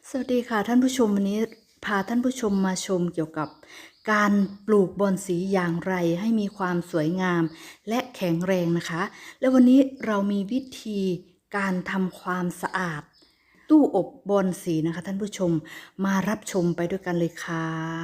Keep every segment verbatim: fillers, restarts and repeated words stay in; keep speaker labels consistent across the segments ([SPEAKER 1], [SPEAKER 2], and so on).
[SPEAKER 1] สวัสดีค่ะท่านผู้ชมวันนี้พาท่านผู้ชมมาชมเกี่ยวกับการปลูกบอนสีอย่างไรให้มีความสวยงามและแข็งแรงนะคะ และวันนี้เรามีวิธีการทำความสะอาดตู้อบบอนสีนะคะท่านผู้ชมมารับชมไปด้วยกันเลยค่ะ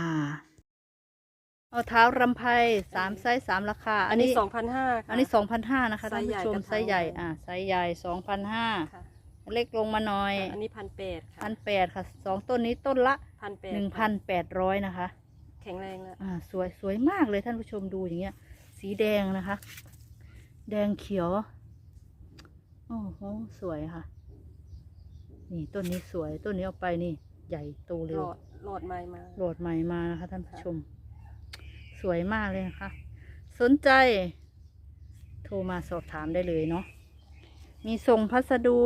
[SPEAKER 1] เอาเท้ารำไพสามไซส์สามราคา
[SPEAKER 2] อันนี้สองพันห้า
[SPEAKER 1] อันนี้สองพันห้านะคะท่านผู้ชม
[SPEAKER 2] ไซ
[SPEAKER 1] ไซ
[SPEAKER 2] ส์
[SPEAKER 1] ส์
[SPEAKER 2] ให
[SPEAKER 1] ให
[SPEAKER 2] ญ่
[SPEAKER 1] ญ่
[SPEAKER 2] กระถาง
[SPEAKER 1] อ่าไซส์ใหญ่สองพันห้าเล็กลงมาหน่อย
[SPEAKER 2] อันนี้พันแปดค่ะ
[SPEAKER 1] พันแปดค่ะสองต้นนี้ต้นละ
[SPEAKER 2] พันแปด
[SPEAKER 1] หนึ่งพันแปดร้อยนะคะ
[SPEAKER 2] แข็งแรงแล้ว
[SPEAKER 1] อ่าสวยสวยมากเลยท่านผู้ชมดูอย่างเงี้ย สีแดงนะคะ แดงเขียวโอ้โหสวยค่ะ นี่ต้นนี้สวยต้นนี้เอาไปนี่ ใหญ่โตเร็
[SPEAKER 2] หล
[SPEAKER 1] ว
[SPEAKER 2] อดหลอดใหม่มา
[SPEAKER 1] โหลดใหม่มานะคะท่านผู้ชม สวยมากเลยนะคะ สนใจ โทรมาสอบถามได้เลยเนาะมีส่งพัสดุ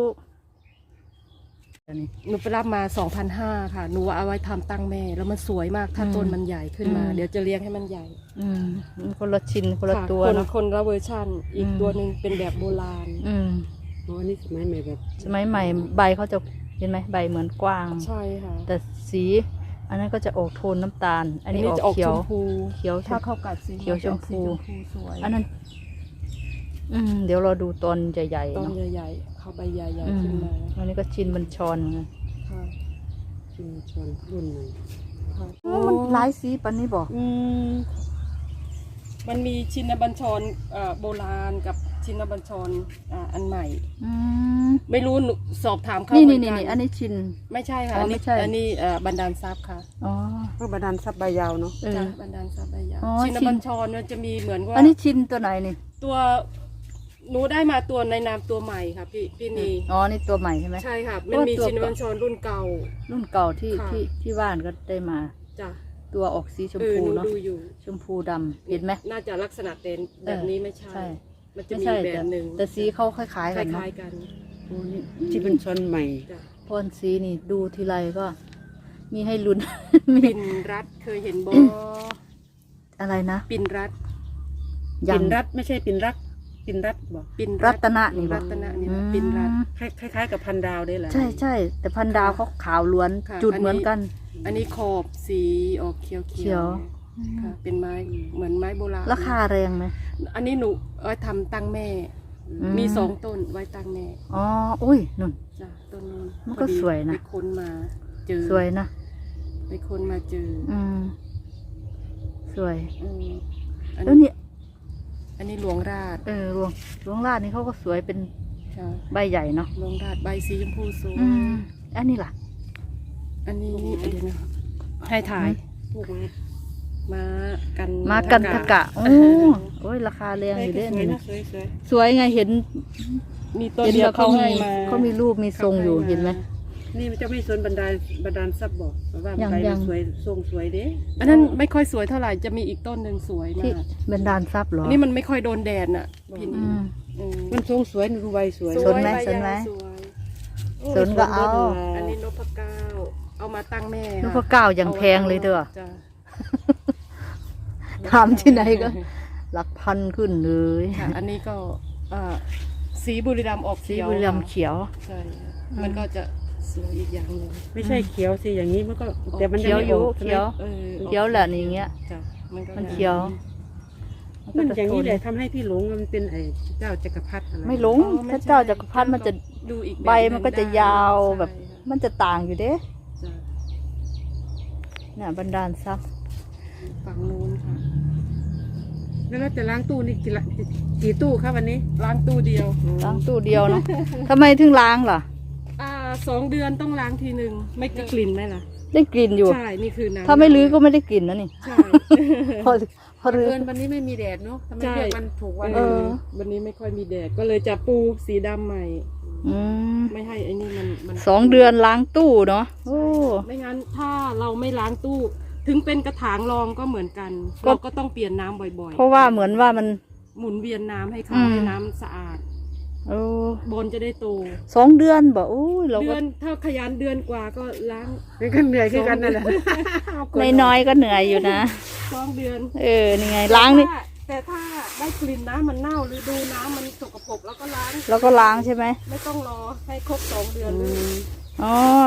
[SPEAKER 2] หนูไปรับมาสองพันห้าค่ะหนูเอาไว้ทำตั้งแม่แล้วมันสวยมากถ้าต้นมันใหญ่ขึ้นมา เดี๋ยวจะเลี้ยงให้มันใหญ่
[SPEAKER 1] อืมคนละชิ้นคนละ
[SPEAKER 2] ค่ะ
[SPEAKER 1] ตัว
[SPEAKER 2] คน
[SPEAKER 1] เนาะ
[SPEAKER 2] คนละเวอร์ชันอีก
[SPEAKER 1] อืม
[SPEAKER 2] ตัวหนึ่งเป็นแบบโบราณ
[SPEAKER 1] อืม
[SPEAKER 3] อ๋ออันนี้สมัยใหม่แบบ
[SPEAKER 1] สมัยใหม่ใบเขาจะเห็นไหมใบเหมือนกว้าง
[SPEAKER 2] ใช่ค่ะ
[SPEAKER 1] แต่สี อันนั้นก็จะออกโทนน้ำตาล อันนี้ออก
[SPEAKER 2] จะออก
[SPEAKER 1] เขี
[SPEAKER 2] ช
[SPEAKER 1] ยว
[SPEAKER 2] มพู
[SPEAKER 1] เขียวช
[SPEAKER 2] ถ้าม เข้ากัดสี
[SPEAKER 1] เขียวชมพู
[SPEAKER 2] จะออกสีชมพูสวย
[SPEAKER 1] อันนั้น อืมเดี๋ยวเราดูตอนใหญ่ๆ
[SPEAKER 2] ต้น
[SPEAKER 1] เนาะ
[SPEAKER 2] ใหญ่ๆเข้าใบใหญ่
[SPEAKER 1] อื
[SPEAKER 2] ๆ
[SPEAKER 1] ม
[SPEAKER 2] ขึ้นมา
[SPEAKER 1] อันนี้ก็ชินบัญชรไง
[SPEAKER 2] ค่ะ
[SPEAKER 3] ชุมชนรุ่นใหม่
[SPEAKER 2] ค่ะ
[SPEAKER 1] มันหลายสีปันนี้บอก
[SPEAKER 2] อืมมันมีชินบัญชรเอ่อโบราณกับชินบัญชรอ่าอันใหม่
[SPEAKER 1] อืม
[SPEAKER 2] ไม่รู้หนูสอบถามเขา
[SPEAKER 1] นี่
[SPEAKER 2] เหมื
[SPEAKER 1] นี่
[SPEAKER 2] อน
[SPEAKER 1] นี่
[SPEAKER 2] กัน
[SPEAKER 1] นี่อันนี้ชิน
[SPEAKER 2] ไม่ใช่ค่ะ
[SPEAKER 1] อ๋อ
[SPEAKER 2] อัน
[SPEAKER 1] ไม่
[SPEAKER 2] นี้
[SPEAKER 1] ใช่
[SPEAKER 2] อันนี้เอ่อบันดาลทรัพย์ค่ะ
[SPEAKER 1] อ๋อ
[SPEAKER 3] ก็บาดาลซับใบยาวเนาะ
[SPEAKER 1] เออ
[SPEAKER 2] จ้ะบันดาลทรัพย์ใบยาว
[SPEAKER 1] อ๋อ
[SPEAKER 2] ชิน
[SPEAKER 1] ชิน
[SPEAKER 2] บัญชรเนี่ยจะมีเหมือนว่า
[SPEAKER 1] อันนี้ชินตัวไหนนี่
[SPEAKER 2] ตัวหนูได้มาตัวในนามตัวใหม่ค่ะพี่พี่นี
[SPEAKER 1] อ๋อ นี่ตัวใหม่ใช่ไหม
[SPEAKER 2] ใช่ค่ะมันมี
[SPEAKER 1] ตัว
[SPEAKER 2] ชินบัญชรรุ่นเก่า
[SPEAKER 1] รุ่นเก่าที่
[SPEAKER 2] ค่ะ
[SPEAKER 1] ที่ที่บ้านก็ได้มา
[SPEAKER 2] จ้ะ
[SPEAKER 1] ตัวออกสีชม
[SPEAKER 2] เออ
[SPEAKER 1] พู
[SPEAKER 2] หนู
[SPEAKER 1] เนาะ
[SPEAKER 2] ดูอยู่
[SPEAKER 1] ชมพูดำเห็นไหม
[SPEAKER 2] น่าจะลักษณะเต็นแบบนี้ไม่ใช่
[SPEAKER 1] ใช่
[SPEAKER 2] มันจะ
[SPEAKER 1] ไม่
[SPEAKER 2] มี
[SPEAKER 1] ใช่
[SPEAKER 2] แบ
[SPEAKER 1] แต่
[SPEAKER 2] บหนึ่ง
[SPEAKER 1] แต่สีเขาคล้าย
[SPEAKER 2] ค
[SPEAKER 1] ๆกันเนาะ
[SPEAKER 2] ล้ายๆกัน
[SPEAKER 3] โอ้นี่ที่เป็นชนใหม่
[SPEAKER 2] จ้ะ
[SPEAKER 1] พรสีนี่ดูทีไรก็ มีให้ลุ้น มี
[SPEAKER 2] ปิ่นรัดเคยเห็นบอ
[SPEAKER 1] อะไรนะ
[SPEAKER 2] ปิ่นรัด
[SPEAKER 1] ยั
[SPEAKER 3] ปิ่
[SPEAKER 1] ง
[SPEAKER 3] นรัดไม่ใช่ปิ่นรักปิ่นรัดบอก
[SPEAKER 2] ปิ่น
[SPEAKER 1] รัตนะนี่บ
[SPEAKER 2] รั
[SPEAKER 1] อก
[SPEAKER 2] ตนะนี่
[SPEAKER 1] อื
[SPEAKER 2] นะ
[SPEAKER 1] ม
[SPEAKER 2] ปิ่นรัด
[SPEAKER 3] คล้ายๆกับพันดาวได้แหละ
[SPEAKER 1] ใช่ใช่แต่พันดาวเขาขาวล้วน
[SPEAKER 2] ค่ะ
[SPEAKER 1] จุด
[SPEAKER 2] อันนี้
[SPEAKER 1] เหมือนกัน
[SPEAKER 2] อันนี้ขอบสีออกเขียว
[SPEAKER 1] เขี
[SPEAKER 2] เขี
[SPEAKER 1] ย
[SPEAKER 2] ยว วค่ะเป็นไม้เหมือนไม้โบราณ
[SPEAKER 1] ราคาแรงไหม
[SPEAKER 2] อันนี้หนูเอาไว้ทำตั้งแม่
[SPEAKER 1] อืม
[SPEAKER 2] มีสองต้นไว้ตั้งแม่
[SPEAKER 1] อ๋ออุ้ยนุ่น
[SPEAKER 2] จ้ะต้นนู้น
[SPEAKER 1] มันก็
[SPEAKER 2] พอดี
[SPEAKER 1] สวยนะ
[SPEAKER 2] ไปค้นมาเจอ
[SPEAKER 1] สวยนะ
[SPEAKER 2] ไปค้นมาเจอ
[SPEAKER 1] อืม สวย
[SPEAKER 2] อืมอัน
[SPEAKER 1] แล้ว
[SPEAKER 2] นี้
[SPEAKER 1] นี่
[SPEAKER 2] อันนี้หลวงราช
[SPEAKER 1] เออหลวงหลวงลาดนี่เขาก็สวยเป็น
[SPEAKER 2] ค่ะ
[SPEAKER 1] ใบใหญ่เนาะ
[SPEAKER 2] หลวงราชใบสีชมพูสวย
[SPEAKER 1] อืมอันนี้ล่ะ
[SPEAKER 2] อันนี้เดี๋ยวนะให้ถ่าย
[SPEAKER 3] พวกนี้
[SPEAKER 2] มากัน
[SPEAKER 1] มากันทะกะ โอ้
[SPEAKER 2] เออ
[SPEAKER 1] โอ้ยราคาแรง
[SPEAKER 3] ส
[SPEAKER 1] อ
[SPEAKER 3] วย
[SPEAKER 1] ยู่เด้
[SPEAKER 3] สวย
[SPEAKER 1] นี่
[SPEAKER 3] นะ
[SPEAKER 1] นะ
[SPEAKER 3] สวยสวย
[SPEAKER 1] สวยไงเห็น
[SPEAKER 2] มีต้น
[SPEAKER 1] เห็น
[SPEAKER 2] เดีย
[SPEAKER 1] แล้ว วเขา
[SPEAKER 2] เขา
[SPEAKER 1] มี
[SPEAKER 2] ให้มา
[SPEAKER 1] เขามีรูปมีทรงอยู่เห็นไหม
[SPEAKER 3] นี่มันจะไม่สนบันไดบันดาลซับบอกว่า
[SPEAKER 1] ยัง
[SPEAKER 3] ใบ
[SPEAKER 1] ยั
[SPEAKER 3] มัน
[SPEAKER 1] ง
[SPEAKER 3] สวยทรงสวยเด้
[SPEAKER 2] อันนั้นไม่ค่อยสวยเท่าไหร่จะมีอีกต้นหนึ่งสวยมา
[SPEAKER 1] ที่
[SPEAKER 2] ก
[SPEAKER 1] บรรดาลทรัพย์เหรอ
[SPEAKER 2] อันนี้มันไม่ค่อยโดนแดดน่ะพี่
[SPEAKER 1] อื
[SPEAKER 2] นี่
[SPEAKER 1] ม
[SPEAKER 2] อืม
[SPEAKER 3] มันทรงสวยดูใบสวย
[SPEAKER 1] สนไหม
[SPEAKER 2] ใบ
[SPEAKER 1] สนไหม
[SPEAKER 2] ยาวสวย
[SPEAKER 1] สนก็เอา
[SPEAKER 2] อันนี้นพเก้าเอามาตั้งแม่
[SPEAKER 1] นพเก้าอย่างแพงเลยเด้อ
[SPEAKER 2] จ้ะ
[SPEAKER 1] ถามที่ไหนก็ หลักพันขึ้นเลย
[SPEAKER 2] ค่ะอันนี้ก็เอ่อสีบุรีรัมย์ออก
[SPEAKER 1] สี
[SPEAKER 2] เขียว
[SPEAKER 1] บุรีรัมย์เขียว
[SPEAKER 2] ใช่ค่ะมันก็จะสวยอีกอย่างหนึ่ง
[SPEAKER 3] ไม่ใช่เขียวสิอย่างนี้มันก็แต่มัน
[SPEAKER 1] เขี
[SPEAKER 3] ยัง
[SPEAKER 1] ยว
[SPEAKER 3] ไม่
[SPEAKER 1] อยู่
[SPEAKER 3] ออกใช่ไหม
[SPEAKER 1] เขียว
[SPEAKER 2] เออออก
[SPEAKER 1] เขียวแหละนี่อย่างเงี้ย
[SPEAKER 2] จ้ะมันก็
[SPEAKER 1] มันเขียว
[SPEAKER 3] มันอย่างนี้แหละทำให้พี่หลงมันเป็นไอ้เจ้าจักรพรรดิอะไร
[SPEAKER 1] ไม่หลง
[SPEAKER 2] อ๋อไม่
[SPEAKER 1] ถ้า
[SPEAKER 2] ใช่
[SPEAKER 1] เจ้าจักรพรรดิมันจะ
[SPEAKER 2] ดูอีก
[SPEAKER 1] ใบมันก็จะยาวแบบ
[SPEAKER 2] ใช่ค่ะ
[SPEAKER 1] มันจะต่างอยู่เด้
[SPEAKER 2] จ้ะ
[SPEAKER 1] น่ะบรรดาลทรัพย์
[SPEAKER 2] ฝั่งนู้นค่ะ
[SPEAKER 3] แล้วเราจะล้างตู้นี่กี่ละกี่ตู้ครับวันนี้
[SPEAKER 2] ล้างตู้เดียว
[SPEAKER 1] ล้างตู้เดียวเนาะ ทำไมถึงล้างล่ะ
[SPEAKER 2] อ่าสองเดือนต้องล้างทีหนึ่งไม่ได้กลิ่นไหมล่ะ
[SPEAKER 1] ได้กลิ่นอยู่
[SPEAKER 2] ใช่นี่คือน้ำ
[SPEAKER 1] ถ้าไม่ลื้อก็ไม่ได้กลิ่นนะนี่
[SPEAKER 2] ใช่
[SPEAKER 1] พอพอลื้อ
[SPEAKER 3] เกินวันนี้ไม่มีแดดเนาะทำไม
[SPEAKER 2] ใช่
[SPEAKER 3] เรียกมันถูกวัน
[SPEAKER 1] เออ
[SPEAKER 2] วันนี้ไม่ค่อยมีแดดก็เลยจะปูสีดำใหม่
[SPEAKER 1] อืม
[SPEAKER 2] ไม่ให้ไอ้นี่มันมัน
[SPEAKER 1] สองเดือนล้างตู้เนาะโอ้
[SPEAKER 2] ไม่งั้นถ้าเราไม่ล้างตู้ ถึงเป็นกระถางรองก็เหมือนกัน
[SPEAKER 1] ก็
[SPEAKER 2] เราก็ต้องเปลี่ยนน้ำบ่อย
[SPEAKER 1] เพราะว่าเหมือนว่ามัน
[SPEAKER 2] ๆ หมุนเวียนน้ำให้เขา
[SPEAKER 1] อืม
[SPEAKER 2] ให้น้ำสะอาด
[SPEAKER 1] โอ้
[SPEAKER 2] บนจะได้โต
[SPEAKER 1] สองเดือนบอกโอ้ยเรา
[SPEAKER 2] เดื
[SPEAKER 1] ก็
[SPEAKER 2] อนถ้าขยันเดือนกว่าก็ล้าง
[SPEAKER 3] เป็นกันเหนื่อยคือกันนั่นแหละ
[SPEAKER 1] น้อยๆก็เหนื่อยอยู่นะ
[SPEAKER 2] สองเดือน
[SPEAKER 1] เออนี่ไงล้างนี่
[SPEAKER 2] แต่ถ้าได้กลิ่นน้ำมันเน่าหรือดูน้ำมันสกปรกแล้วก็ล้าง
[SPEAKER 1] แล้วก็ล้างใช่ไหม
[SPEAKER 2] ไม่ต้องรอให้ครบสองเดือนเลย
[SPEAKER 1] อ๋อ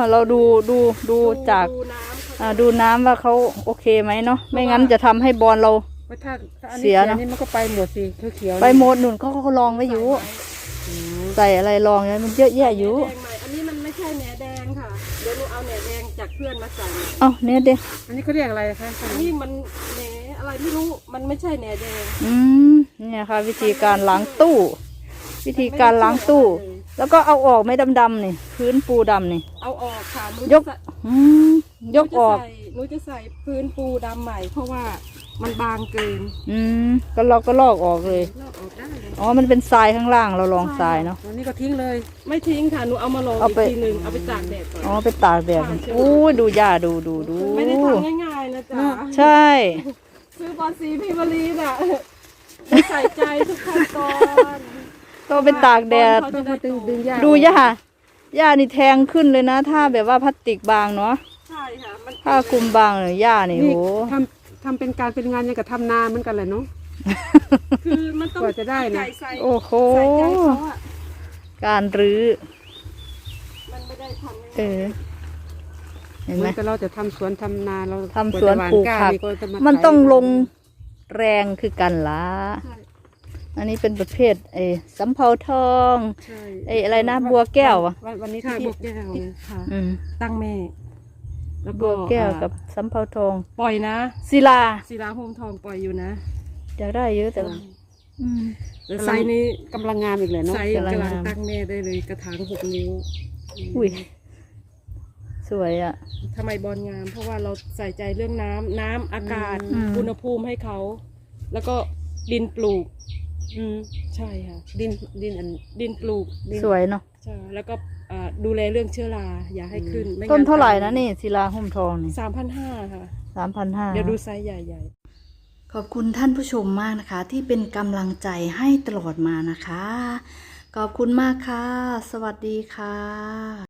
[SPEAKER 1] เราดูดูดูจาก
[SPEAKER 2] ดูน้ำ
[SPEAKER 1] อ่าดูน้ำว่าเขาโอเคไหมเนาะไม่งั้นจะทำให้บอลเรา
[SPEAKER 3] ว่าถ้าถ้าอัน
[SPEAKER 1] เสี
[SPEAKER 3] นี้
[SPEAKER 1] ย
[SPEAKER 3] เสีย
[SPEAKER 1] เนอะ
[SPEAKER 3] นี่มันก็ไปหมดสิเขียวๆ
[SPEAKER 1] ไปโมดหนุนเขาก็ลองไว้อยู่
[SPEAKER 3] อืม
[SPEAKER 1] ใส่อะไรลองเนี่ยมันเยอะแยะอยู่
[SPEAKER 2] แหนแดงใหม่อันนี้มันไม่ใช่แหนแดงค่ะเดี๋ยวหนูเอาแหนแดงจากเพื่อนมาใส่
[SPEAKER 1] เอ้าเนี่ยเด็ก
[SPEAKER 3] อันนี้เขาเรียกอะไรคะ
[SPEAKER 2] นี่มันแหนอะไรไม่รู้มันไม่ใช่แหนแดง
[SPEAKER 1] อืมเนี่ยค่ะ วิธีการล้างตู้ วิธีการล้างตู้ แล้วก็เอาออกไม่ดำๆนี่พื้นปูดำนี่
[SPEAKER 2] เอาออกค่ะหนู
[SPEAKER 1] ย
[SPEAKER 2] จะ
[SPEAKER 1] ก
[SPEAKER 2] ใส่
[SPEAKER 1] อืมยกออก
[SPEAKER 2] หนูจะใส่หนูจะใส่พื้นปูดำใหม่ เพราะว่ามันบางเกิน
[SPEAKER 1] อืมก็เราก็ลอกออกเลย
[SPEAKER 2] ลอกออกได้เลย
[SPEAKER 1] อ๋อมันเป็นทรายข้างล่างเราลองทรายเนาะ
[SPEAKER 3] อันนี้ก็ทิ้งเลย
[SPEAKER 2] ไม่ทิ้งค่ะหนูเอามาลอง
[SPEAKER 1] เอา
[SPEAKER 2] อีก
[SPEAKER 1] ไป
[SPEAKER 2] ทีหนึ่งเอาไปตากแดดก่อน
[SPEAKER 1] อ๋อไปตากแดดอู้ยดูหญ้าดูดูดู
[SPEAKER 2] ไม่ได้ทำง่ายๆนะจ๊ะ
[SPEAKER 1] ใช่
[SPEAKER 2] ซื้อบอลสีพิมรีน่ะใส่ใจทุกขั้นตอน
[SPEAKER 1] ก็ไปตากแดด
[SPEAKER 2] เขา
[SPEAKER 3] ต้
[SPEAKER 2] จะ
[SPEAKER 3] อง
[SPEAKER 2] ได้
[SPEAKER 3] มาดึงดึงหญ้า
[SPEAKER 1] ดูหญ้าหญ้านี่แทงขึ้นเลยนะ ถ้าแบบว่าพลาสติกบางเนาะ
[SPEAKER 2] ใช่ค่ะมัน
[SPEAKER 1] ถ้าคลุมบางเลยหญ้านี่
[SPEAKER 3] นี่
[SPEAKER 1] โห
[SPEAKER 3] ทำทำเป็นการเป็นงานอย่างกับทำนาเหมือนกันเลยเนาะ
[SPEAKER 2] คือมันต้อง
[SPEAKER 3] กว่าจะได้นะ
[SPEAKER 2] ใส่ใส่
[SPEAKER 1] โอ้โห
[SPEAKER 2] ใส่ใจเขาอะ
[SPEAKER 1] การรื้อ
[SPEAKER 2] มันไม่ได้ทำ
[SPEAKER 1] เออ เห็น
[SPEAKER 3] เห
[SPEAKER 1] ไห
[SPEAKER 3] มื
[SPEAKER 1] ม
[SPEAKER 3] อนกับเราจะทำสวนทำนาเรา
[SPEAKER 1] ทำสวน
[SPEAKER 3] าจะ
[SPEAKER 1] ปลูก
[SPEAKER 3] า
[SPEAKER 1] ผัก
[SPEAKER 3] นี่จะา
[SPEAKER 1] มัน
[SPEAKER 3] ไถ
[SPEAKER 1] ต้องลงแรงคือกันละ
[SPEAKER 2] ใช่
[SPEAKER 1] อันนี้เป็นประเภทไอ้สำเภาทอง
[SPEAKER 2] ใช่
[SPEAKER 1] ไอ้อะไรนะบัวแก้วอะ
[SPEAKER 3] วันวันนี้
[SPEAKER 2] ใช่
[SPEAKER 3] ที่
[SPEAKER 2] บวกแก้วค่ะ
[SPEAKER 1] อืม
[SPEAKER 2] ตั้งแม่ แล้ว
[SPEAKER 1] บัวแก้วกับสำเภาทอง
[SPEAKER 2] ปล่อยนะ
[SPEAKER 1] ศิลา
[SPEAKER 2] ศิลาโฮมทองปล่อยอยู่นะ
[SPEAKER 1] อยากได้เยอะแต่ว่าอืม
[SPEAKER 2] แต่ไซส์นี้
[SPEAKER 3] กำลังงามอีกเลยเนาะ
[SPEAKER 2] ไซส์
[SPEAKER 1] กำลัง
[SPEAKER 2] กำลัง
[SPEAKER 1] งาม
[SPEAKER 2] ตั้งแม่ได้เลยกระถางหกนิ้ว
[SPEAKER 1] อุ้ยสวยอ่ะ
[SPEAKER 2] ทำไมบอลงาม เพราะว่าเราใส่ใจเรื่องน้ำน้ำอากาศ
[SPEAKER 1] อืม
[SPEAKER 2] อุณหภูมิให้เขา แล้วก็ดินปลูก
[SPEAKER 3] อืม
[SPEAKER 2] ใช่ค่ะ
[SPEAKER 3] ดินดินอัน
[SPEAKER 2] ดินปลูกดิน
[SPEAKER 1] สวยเนาะ
[SPEAKER 2] ใช่แล้วก็อ่าดูแลเรื่องเชื้อราอย่าให้ขึ้นไม่งั้
[SPEAKER 1] ต้นเท่าไหร่นะนี่ศิลาหุ้มทองนี่
[SPEAKER 2] สามพันห้าค่ะ
[SPEAKER 1] สามพันห้า
[SPEAKER 2] เดี๋ยวดูไซส์ใหญ่ ๆ
[SPEAKER 1] ขอบคุณท่านผู้ชมมากนะคะ ที่เป็นกำลังใจให้ตลอดมานะคะ ขอบคุณมากค่ะ สวัสดีค่ะ